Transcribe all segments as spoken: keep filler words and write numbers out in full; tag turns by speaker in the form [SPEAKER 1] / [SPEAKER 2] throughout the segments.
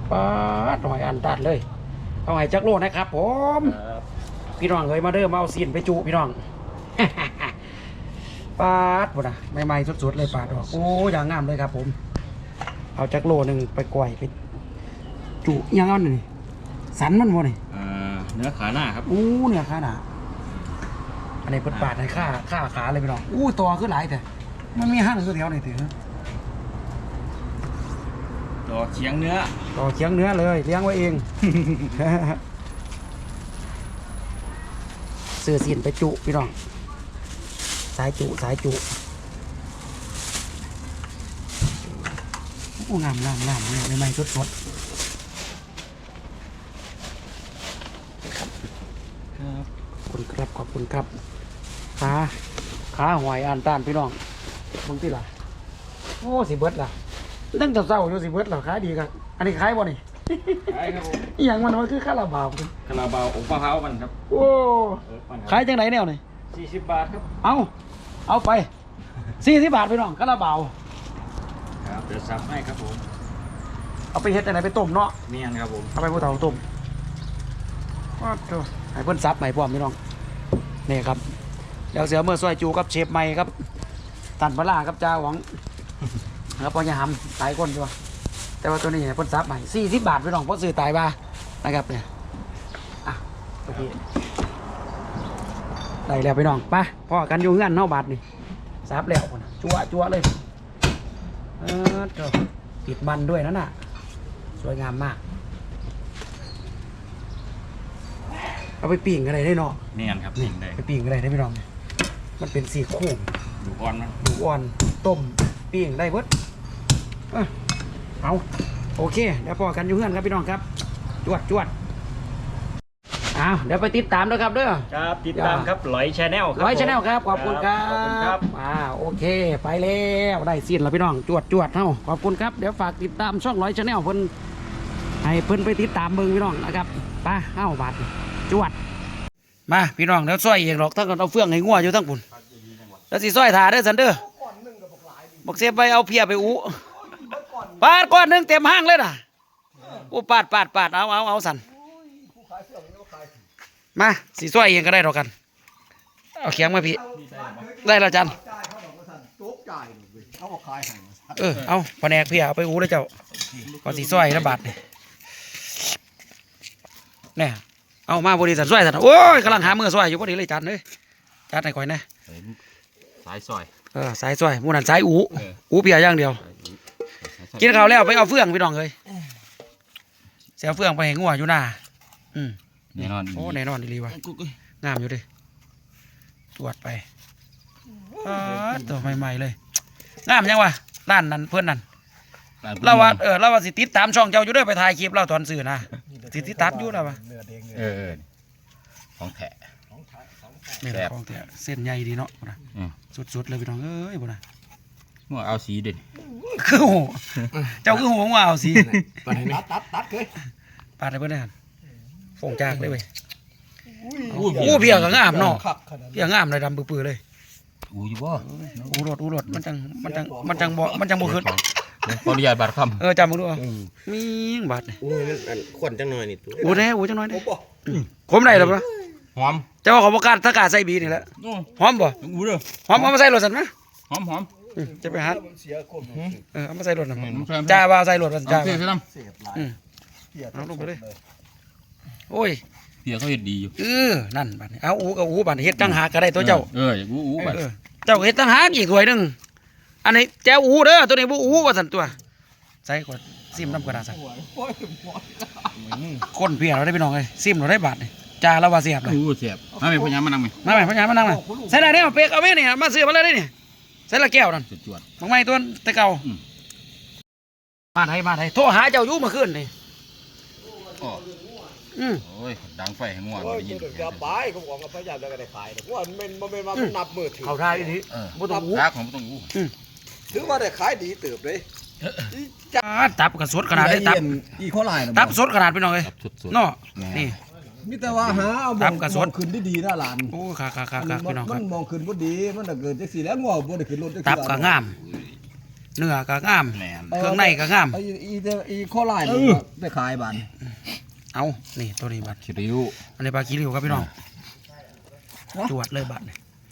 [SPEAKER 1] ปาดหน่อยอันตัดเลยเอาไห้จักโลนะครับผมพี่น้องเอ้ยมาเด้อมาเอาซีนไปจุพี่น้องปาดบ่นะใหม่ๆสดๆเลยปาดออกโอ้อย่างงามเลยครับผมเอาจักโลหนึ่งไปก่อยไปจุยังเอาหนึ่งสันมันบ่นี่
[SPEAKER 2] เนื้อขาหน้าครับ
[SPEAKER 1] อู้เนื้อขาหน้าอันนี้เปิดปาดในข้าข้าขาเลยพี่น้องอู้ตัวขึ้นหลายแต่มันมีห้างตัวเดียวนี่ถือ
[SPEAKER 2] ต่อเคียงเนื้อ
[SPEAKER 1] ต่อเคียงเนื้อเลยเลี้ยงไว้เองเสือสินไปจุพี่น้องสายจุสายจุโอ้งามงามงามเลยใหม่ๆสดสดครับขอบคุณครับขอบคุณครับขาขาหอยอ่านต้านพี่น้องมึงที่ล่ะโอ้สิเบิดล่ะตั้งแต่เศร้าอยู่สิเบิดล่ะขายดีครับอันนี้ขายบ่นี่
[SPEAKER 2] ขายครับผม
[SPEAKER 1] อย่างมันมันคือข้าวราบาว
[SPEAKER 2] ข้าวราบาวอบมะพร้าวมันครับ
[SPEAKER 1] โอ้ขายจังไหนแนวนี่
[SPEAKER 2] สี่สิบบาทครับ
[SPEAKER 1] เอาเอาไปสี่สิบบาทพี่น้องข้าวราบาว
[SPEAKER 2] ครับเดี๋ยวซับให้ครับผม
[SPEAKER 1] เอาไปเฮ็ดจังไหนไปต้มเนาะ
[SPEAKER 2] เมียนครับผม
[SPEAKER 1] เอาไปผู้เฒ่าต้มว้าวให้เพิ่นซับใหม่พร้อมพี่น้องนี่ครับเดี๋ยวเสือเมื่อซอยจูกับเชฟใหม่ครับตันปลาครับจ้าหวังแล้วพอจะหำตายก้นด้วยแต่ว่าตัวนี้เพิ่นซับใหม่สี่สิบบาทพี่น้องเพราะซื้อตายบ้านะครับเนี่ยอ่ะโอเคได้แล้วพี่น้องไปพ่อกันอยู่เงื่อนเนาะบาทนี่ซับแล้วจั่วจั่วเลยเออติดมันด้วยนั่นน่ะสวยงามมากเอาไปปิ้งอะไรได้เนาะ
[SPEAKER 2] เมียนครับปิ้งได้
[SPEAKER 1] ไปปิ้งอะไรได้พี่น้องมันเป็นสีโค้ง
[SPEAKER 2] ดูอ่อนมัน
[SPEAKER 1] ดูอ่อนต้มปิ้งได้เบิดเอาโอเคเดี๋ยวพอกันอยู่เพื่อนครับพี่น้องครับจวดจวดอ้าวเดี๋ยวไปติดตามด้วยครับเด้อ
[SPEAKER 2] ครับติดตามครับร้อยชาแนลครับ
[SPEAKER 1] ร้อยชาแนลครับขอบคุณครับอ่าโอเคไปแล้วได้สิ้นแล้วพี่น้องจวดจวดเท่าขอบคุณครับเดี๋ยวฝากติดตามช่องร้อยชาแนลเพิ่นให้เพิ่นไปติดตามเบิ่งพี่น้องนะครับไปเอ้าบาทจวดมาพี่น้องเดี๋ยวซอยเองหรอกถ้าเกิดเอาเฟืองให้งัวอยู่ทั้งปุ่นแล้วสิซอยถาเด้อสันเด้อบอกเสียไปเอาเพียไปอู้ปาดก้อนหนึ่งเต็มห้างเลยนะโอ้ปาดปาดปาดเอาเอาเอาสันมาสีซอยเองก็ได้หรอกกันเอาเขียงมาพี่ได้แล้วจันเออเอาแผนกเพียเอาไปอู้เลยเจ้าก่อนสีซอยระบาดเนี่ยเอามาบริษัทซอยสันโอ้ยกำลังหาเมื่อซอยอยู่พอดีเลยจันเลยจันไหนก่อยนะ
[SPEAKER 2] สายซอย
[SPEAKER 1] เออสายซอยมูนันสายอู้อู้เพียอย่างเดียวกินข้าวแล้วไปเอาเฟืองพี่น้องเลยเสียเฟืองไปให้งัวอยู่หน้าอืม
[SPEAKER 2] แน่นอน
[SPEAKER 1] โอ้แน่นอนดีวะงามอยู่ดิตรวจไปตัวใหม่ๆเลยงามยังวะร้านนั้นเพื่อนนั่นเราว่าเออเราว่าสิติดตามช่องเจ้าอยู่ด้วยไปถ่ายคลิปเราตอนสื่อนะสิติดตัดอยู่แล้ววะ
[SPEAKER 2] เออของแท้
[SPEAKER 1] นี่แหละของแท้เส้นใหญ่ดีเนาะสุดๆเลยพี่น้องเอ้ยบ่นะ
[SPEAKER 2] หัวเอาสีเด่น
[SPEAKER 1] คือโหเจ้าคือโหว่าเอาสี
[SPEAKER 3] ตัดตัดตัดเลย
[SPEAKER 1] ปาดได้เพื่อนนั่นฟงจากเลยเว้ยอู้เพียกงามเนาะเพียกงามเลยดำปื้อๆเลย
[SPEAKER 2] อู้อยู่บ่
[SPEAKER 1] อู้รถอู้รถมันจังมันจังมันจังบ่มันจังบ่ขึ้น
[SPEAKER 2] ขออนุญาตบาดคำ
[SPEAKER 1] เออจำมึงดูมีบาด
[SPEAKER 3] อู้มันขวนจังหน่อยนี่ตัว
[SPEAKER 1] อู้แน่อู้จังหน่อยนี่คมได้หรอปะ
[SPEAKER 2] หอม
[SPEAKER 1] เจ้าของประกาศถ้ากาใส่บีนี่แหละหอมบ่
[SPEAKER 2] อู้เด้อ
[SPEAKER 1] หอมเอามาใส่รถสันนะ
[SPEAKER 2] หอมหอม
[SPEAKER 1] จะไปหาเออเอามาใส่รถนะจ้าว่าใส่รถจ้า
[SPEAKER 2] เสียน้
[SPEAKER 1] ำอืมเอาลงไปเลยโอ้ย
[SPEAKER 2] เพียเขาเห็ดดีอยู่
[SPEAKER 1] เออนั่นบาดเอาอู้กับอู้บาดเฮ็ดตั้งหากก็ได้ตัวเจ้า
[SPEAKER 2] เอออู้อู้บาด
[SPEAKER 1] เจ้าเฮ็ดตั้งหากอีกถ้วยหนึ่งอันนี้แจ้วอู้เด้อตัวนี้บ่อู้ว่าสันตัวใส่กว่าซิมน้ำกระดาษใส่คนเพียเราได้ไปน้องเลยซิมเราได้บาทเลยจ้าแล้วว่าเสียบเลย
[SPEAKER 2] อู้เสียบมาไม่พยายามมานั่งไหม
[SPEAKER 1] มาไหมพยายามมานั่งไหมใส่ได้เนี่ยเป๊กเอาไหมเนี่ยมาซื้อมาเลยเนี่ยใส่ละแก้วนั่น
[SPEAKER 2] จวด
[SPEAKER 1] บางไม่ตัวตะเก่ามาไทยมาไทยโทรหาเจ้าอยู่มาขึ้นเลยอืม
[SPEAKER 2] โอ้ยดังไฟให้ง่วง
[SPEAKER 3] ได้ยินอย่าไปเขาบอกว่าพยายามจะได้ขายแต่ว่ามันมันมันมันนับมือถือ
[SPEAKER 1] เขาทายดี
[SPEAKER 2] บ่ต้องอู้รักของบ่ต้องอู้
[SPEAKER 3] ถือว่าได้ขายดีเติบเลย
[SPEAKER 1] จ้าตับกระสดขนาดได้ตับ
[SPEAKER 3] อีข้อลาย
[SPEAKER 1] ตับสดขนาดไปหน่อยเนาะนี่
[SPEAKER 3] มิแต่ว่าหาเอามองขึ้นได้ดีนะหลาน
[SPEAKER 1] โอ้ค่ะค่ะค่ะพี่น้องครับ
[SPEAKER 3] มันมองขึ้นบ่ดีมันเกิดจังสี่แล้วงัวบ่ได้ขึ้นรถ
[SPEAKER 1] ตับก็งามเนื้อก็งาม
[SPEAKER 2] แม่น
[SPEAKER 1] เครื่องในก็งาม
[SPEAKER 3] ไอ้อีอีโคราชนี่ไปขายบ้าน
[SPEAKER 1] เอานี่ตัวนี้บัด
[SPEAKER 2] คิริว
[SPEAKER 1] อันนี้ปลาขี้ริ้วครับพี่น้องจวดเลยบัดนี่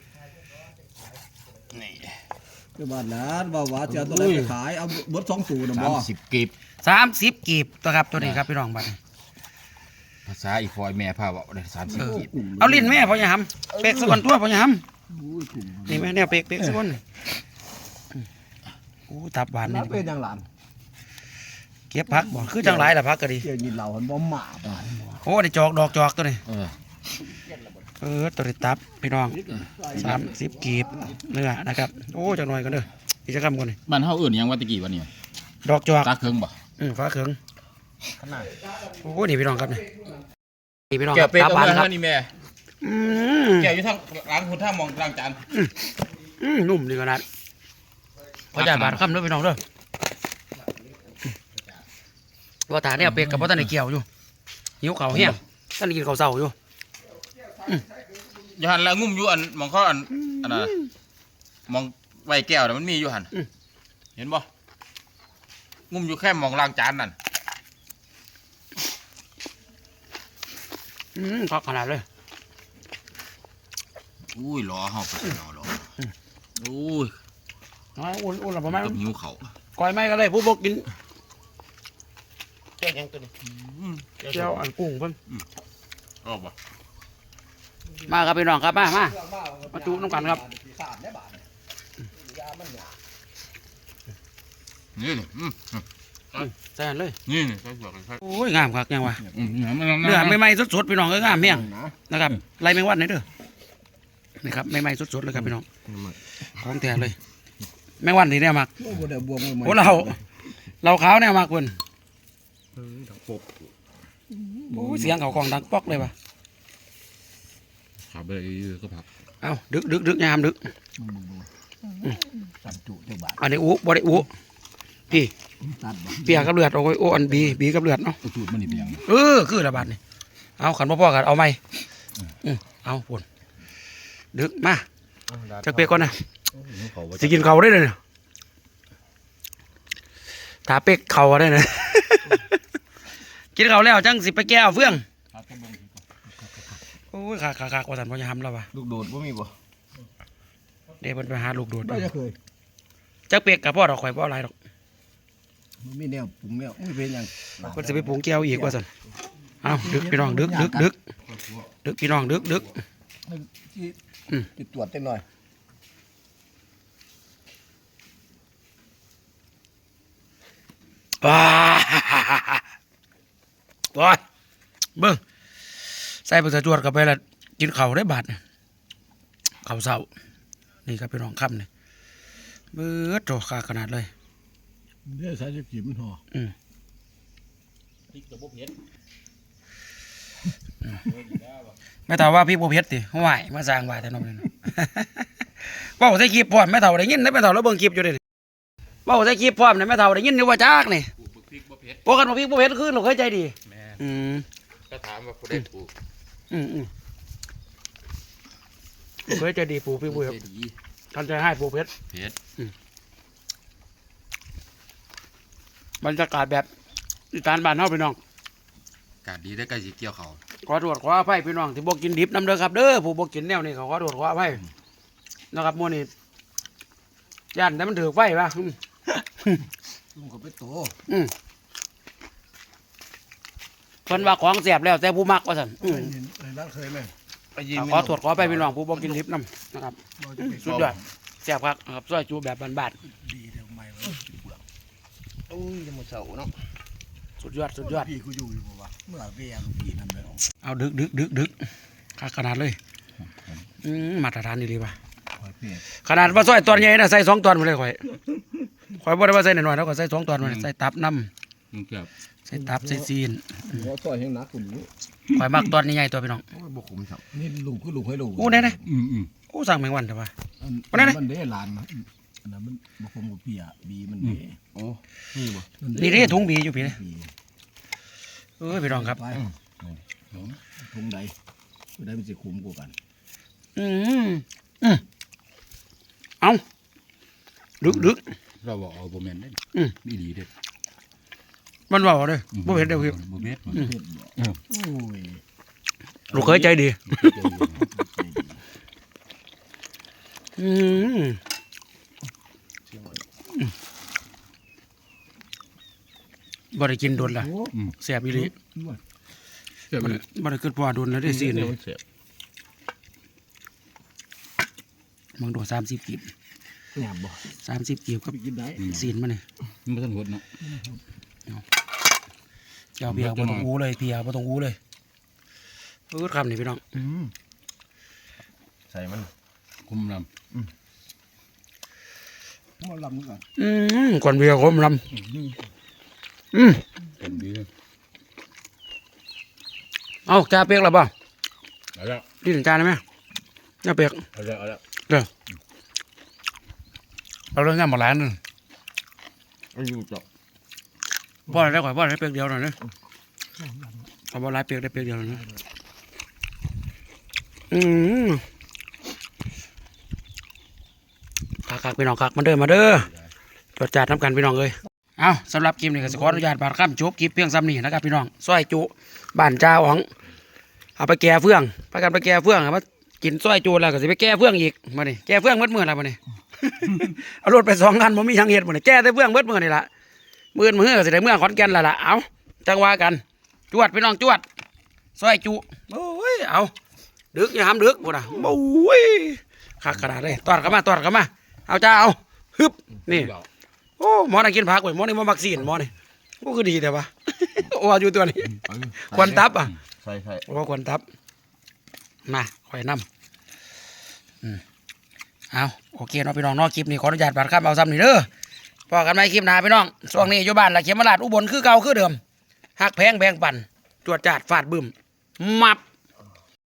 [SPEAKER 2] นี่
[SPEAKER 3] คือบ้านนั้นว่าว่าจะเอาตัวไหนไปขายเอาเบิดสองสูนะบ่
[SPEAKER 2] สามสิบกิบ
[SPEAKER 1] สามสิบกีบตัวครับตัวนี้ครับพี่น้องบัดนี่
[SPEAKER 2] ภาษาอีฟอยแม่พาเว้าได้สามสิบ
[SPEAKER 1] เออ
[SPEAKER 2] กิบ
[SPEAKER 1] เอาลิ้นแม่พ่ออย่าหำเป๊กสักคนตัวพ่ออย่าห
[SPEAKER 3] อุ้ยกลุ่ม
[SPEAKER 1] ำนี่แม่แนวเป๊กเป๊กสักคนอู้ตับหวาน
[SPEAKER 3] นั
[SPEAKER 1] นี่
[SPEAKER 3] บเป็นอย่างหลาน
[SPEAKER 1] เก็บพักบ่คือจังไรล่ะพักก็ดี
[SPEAKER 3] เกี่ยวยินเหล่าหันบ่หมาบ้าน
[SPEAKER 1] โอ้ได้จอกดอกจอกตัวนี้
[SPEAKER 2] เออ
[SPEAKER 1] เออตัวนี้ตับพี่น้องสามสิบกีบเนื้อนะครับโอ้จังหน่อยกันเด้ออีกจะคำก่อนนี่
[SPEAKER 2] บ้านเฮาเอื่นหยังว่าตะกี้วันนี้
[SPEAKER 1] ดอกจอก
[SPEAKER 2] ตาเคิงบ่
[SPEAKER 1] อืมฟ้าเขิง
[SPEAKER 2] ขนาด
[SPEAKER 1] โอ้นี่พี่น้องครับนี่นี่พี่น้องค
[SPEAKER 2] แก้
[SPEAKER 1] รับ
[SPEAKER 2] เป็ด
[SPEAKER 1] ตับ
[SPEAKER 2] เอา
[SPEAKER 1] หวาน
[SPEAKER 2] เมื่อ
[SPEAKER 1] ครับ
[SPEAKER 2] เท่านี้แม่
[SPEAKER 1] อืม
[SPEAKER 2] แก้อยู่ทางล้างคนท่ามองล้างจาน
[SPEAKER 1] อืมนุ่มดีขนาดพอจ่ายบาทคำเด้อพี่น้องเด้อว่าตาเนี่ยเป็ดกับพ่อตาในเกี่ยวอยู่หิวเข่าวแห้งตอนนี้กินข้าวเช้าอยู่
[SPEAKER 2] อยู่หันแล้วงุ่มอยู่อันมองเขาอันอันน่ะมองไว้แก้วน่ะมันมีอยู่หันเห็นบ่งุ่มอยู่แค่มองล้างจานนั่น
[SPEAKER 1] อืมพักขนาดเลย
[SPEAKER 2] อุ้ยรอเฮาไปรอรออุ้ย
[SPEAKER 1] น้อยอุ่นอุ่นหรือเปล่า
[SPEAKER 2] กับหิวเขา
[SPEAKER 1] ก้อยไม่ก็เลยผู้บอกกิน
[SPEAKER 3] แก้ยังตัวนี้
[SPEAKER 1] เจ้าอันกุ้งเพิ่น
[SPEAKER 2] ออกบ่
[SPEAKER 1] มาครับพี่น้องครับมามามาจูน้ำกันครับ
[SPEAKER 3] ขาดได้บาทยามันหยา
[SPEAKER 2] นี่นี่อืม
[SPEAKER 1] ใส่อันเลย
[SPEAKER 2] นี่นี่ใส่หัวใส่
[SPEAKER 1] โอ้ยงามครับยังวะ
[SPEAKER 2] อืมเนื้อมัน
[SPEAKER 1] เนื้อใหม่ๆสดๆพี่น้องก็งามเมี่ยง
[SPEAKER 3] นะ
[SPEAKER 1] นะครับไรแมงวันนี่เด้อนี่ครับใหม่ๆสดๆเลยครับพี่น้องของแท้เลย แมงวันนี่เนี่ยมัก
[SPEAKER 3] โอ้โหเดี๋ยวบวมมือ
[SPEAKER 1] โอ้เราเราขาวเนี่ยมักเพิ่น
[SPEAKER 3] ปบ
[SPEAKER 1] โอ้ยเสียงเขากองดังป๊อกเลยว่ะ
[SPEAKER 2] ขาไปก็พัก
[SPEAKER 1] เอ้าดึกดึกดึกยามดึก
[SPEAKER 3] สับจุเจ้าบาท
[SPEAKER 1] อันนี้อู้บ่ได้อู้พี่
[SPEAKER 3] ตัดบ่
[SPEAKER 1] เปียกับเลือดโอ้ยโอ้อันบีบีกับเลือดเนาะ
[SPEAKER 2] สูตรมันนี่เป็นยัง
[SPEAKER 1] เออคือระบาดนี่เอาขันพ่อๆกันเอาไหมอืมเอาปุ่นดึกมาจักเปียกก่อนนะจะกินเขาได้เลยเนี่ยถาเป็กเขาได้เลย กินเขาแล้วจังสิไปแก้วเฟื่องโอ้ยขาขาขากว่าสันพ่อจะทำแล้ววะ
[SPEAKER 3] ลูกโดดบ่มีบ่
[SPEAKER 1] เดี๋ยวมันไปหาลูกโดด
[SPEAKER 3] ได้จะเคย
[SPEAKER 1] จักเปียกกับพ่อดอกข่อยพ่ออะไรดอก
[SPEAKER 3] มันมีแนวปรุงแนวไม่เป็นหยัง
[SPEAKER 1] มันจะไปปรุงแก้วอีกว่าสันเอาดึกพี่น้องดึกดึกดึกดึกพี่น้องดึกดึก
[SPEAKER 3] ที่
[SPEAKER 1] อืม
[SPEAKER 3] ติดตรวจเต็มหน่อย
[SPEAKER 1] ว้าโอ้ยเบิ้งใส่ไปสะจวดกับไปละกินเข่าวได้บาทเนี่ยเข่าวเศร้านี่ครับพี่น้องค่ำเนี่ยเบิดโตขาขนาดเลย
[SPEAKER 3] เดี๋ยวใส่จะกินมันห่อ
[SPEAKER 1] อืมไม่เท่าว่าพี่บัวเพชรติห่วยมาสร้างว่าแต่น้องนี่นะ เบ้าใส่คลิปพร้อมไม่เท่าได้ยินได้ไม่เท่าแล้วเบิ่งคลิปอยู่เด้เบ้าใส่คลิปพร้อมเนี่ยไม่เท่าได้ยินอยู่ว่าจักนี่
[SPEAKER 2] พริกบ่เผ็ด
[SPEAKER 1] ปกติพี่บัวเพชรคือหนูเคยใจดี
[SPEAKER 2] แม่
[SPEAKER 1] อืม
[SPEAKER 2] ก็ถามว่าผู้ได้ถูก
[SPEAKER 1] อืมอืมเคยใจดีปู่พี่บัวเพชรท่านใจให้บัวเพชร
[SPEAKER 2] เผ็ด
[SPEAKER 1] บรรยากาศแบบอีสานบ้านเฮาพี่น้อง
[SPEAKER 2] กาดดีได้ใกล้สิเกี่ยวเขา
[SPEAKER 1] ขอโทษขออภัยพี่น้องที่บ่กินดิบน้ำเด้อครับเด้อผู้บ่กินแนวนี้เขาขอโทษขออภัยนะครับมื้อนี้ย่านแต่มันถือไฟป่ะอืม
[SPEAKER 3] ลุงก็ไปโต
[SPEAKER 1] อืมเพิ่นว่าของแซ่บแล้วแต่ผู้มักว่าซั่นอืม
[SPEAKER 3] เห็นในร้านเคยไหมไปยิ
[SPEAKER 1] ขอโทษขออภัยพี่น้องผู้บ่กินดิบน้ำนะครับสุดยอดแซ่บครับนะครับซอยจูแบบบ้าน
[SPEAKER 3] ดีเดี๋ยวไม่ไว้โอ้ยจะมาเสาเนาะ
[SPEAKER 1] ๆสุดยอดสุดยอด
[SPEAKER 3] พี่กูอยู่อยู่บ่วะเมื่อเวียลูกพี่นั่นเลย
[SPEAKER 1] เอาดึกดึกดึกดึกขาขนาดเลยอืมมาตรฐานนี่เลยว่ะ
[SPEAKER 3] คอยเพีย
[SPEAKER 1] ขนาดว่าซอยตอนใหญ่นะใส่สองตอนมาเลยข่อยข่อยบ่ได้ว่าใส่หน่อยๆแล้วก็ใส่สองตอนมาเลยใส่ตับน้
[SPEAKER 2] มึงเกือบ
[SPEAKER 1] ำใส่ตับใส่ซีน
[SPEAKER 3] หัวซอยแห้งนักคุณนี่
[SPEAKER 1] ข่อยมักตอนใหญ่ๆตัวพี่น้อง
[SPEAKER 3] โอ้ยบ่ขมสับนี่ลุงคือลุงให้ลุง
[SPEAKER 1] โอ้แน่
[SPEAKER 2] อืมอืม
[SPEAKER 1] ๆโอ้สั่งแมงวันเถอะวะ
[SPEAKER 3] อัน
[SPEAKER 1] วันนั้นนะ
[SPEAKER 3] มันได้หลานนะอันนั้นมันบ่ขมกับเปียบีมันเด้
[SPEAKER 2] โอ้นี่บ่
[SPEAKER 3] มั
[SPEAKER 1] นี่เด้ถุงบีอยู่พี่เลย
[SPEAKER 3] บี
[SPEAKER 1] เอ้ยพี่น้องครับ
[SPEAKER 3] ไปถุงใดถุงใดมันสิขมกว่ากัน
[SPEAKER 1] อืมอืมเอาดึกดึก
[SPEAKER 4] เราบอกเอาโบแมนได้
[SPEAKER 1] อืม
[SPEAKER 4] นี่ดีเด็ด
[SPEAKER 1] มันเบาเลยบ่เห็นเดียวคือ
[SPEAKER 4] โบเม็ด
[SPEAKER 1] ลูกเคยใจดีอืมบ่ได้กินโดนละแสบอีหลีบ่ได้บ่ได้เกิดพอโดนแล้วได้ซีนมึงโดนสามสิบกีบ
[SPEAKER 3] หยาบบ่
[SPEAKER 1] สามสิบกีบก็
[SPEAKER 3] กินได้
[SPEAKER 1] ซีนมาเนี่ย
[SPEAKER 4] มันต้องหดเนาะ
[SPEAKER 1] เจ้าเบียร์บ่ต้องอู้เลยเบียร์บ่ต้องอู้เลยพูดคำนี่พี่น้อง
[SPEAKER 2] ใส่มัน
[SPEAKER 4] คุมล
[SPEAKER 3] หมอลำก่อน
[SPEAKER 1] อืมก่อนเบียร์คมลำอืม
[SPEAKER 4] ำเป็นดี
[SPEAKER 1] เอาจ่าเปียกแล้วป่ะ
[SPEAKER 4] เอาละ
[SPEAKER 1] ดีถึงจานได้ไหมจ่าเปียก
[SPEAKER 4] เอาละเอาละ
[SPEAKER 1] เราเรื่องงานหมดร้านนึง
[SPEAKER 3] อายุจบ
[SPEAKER 1] พ่อได้ก่อนพ่อได้เปียกเดียวหน่อยนะเอาบ่ร้ายเปียกได้เปียกเดียวหน่อยนะอืมคักคักพี่น้องคักมาเด้อมาเด้อตรวจจัดน้ำกันพี่น้องเลยเอาสำหรับคลิปนี้ก็ขออนุญาตบาดข้ามจบคลิปเพียงซ้ำนี่นะครับพี่น้องซอยจุบ้านเจ้าของเอาไปแก่เฟื่องไปกันไปแก่เฟื่องเอามากินซอยจุแล้วก็จะไปแก่เฟื่องอีกมานี่แก่เฟื่องเมื่อเมื่อไรมานี่ เอารถไปสองคันผมมีทางเหตุหมดเลยแก้แต่เฟื่องเมื่อเมื่อนี่ละเมื่อเมื่อก็จะได้เมื่อขอนแก่นและล่ะเอาจังว่ากันจวดพี่น้องจวดซอยจุโอ้ยเอาดึกอย่าห้ามดึกบ่นะโอ้ยคักขนาดเลยตอดเข้ามาตอดเข้ามาเอาจ้าเอาฮึบนี่โอ้หมอน่ะกินผักเว้ยหมอนี่มามักซีนหมอนี่โอ้คือดีแต่ว่า โอ้อยู่ตัวนี้ควันตับอ่ะ
[SPEAKER 2] ใส่ใส่
[SPEAKER 1] โอ้ควันตับมาคอยน้ำอืมเอาโอเคเนาะพี่น้องเนาะคลิปนี้ขออนุญาตบาดข้ามเอาซ้ำนี่เด้อพอกันไหมคลิปหน้าพี่น้องช่วงนี้อยู่บ้านละเขมราชอุบลคือเก่าคือเดิมหักแพงแบ่งปันจวดจาดฟาดบึ้มมับ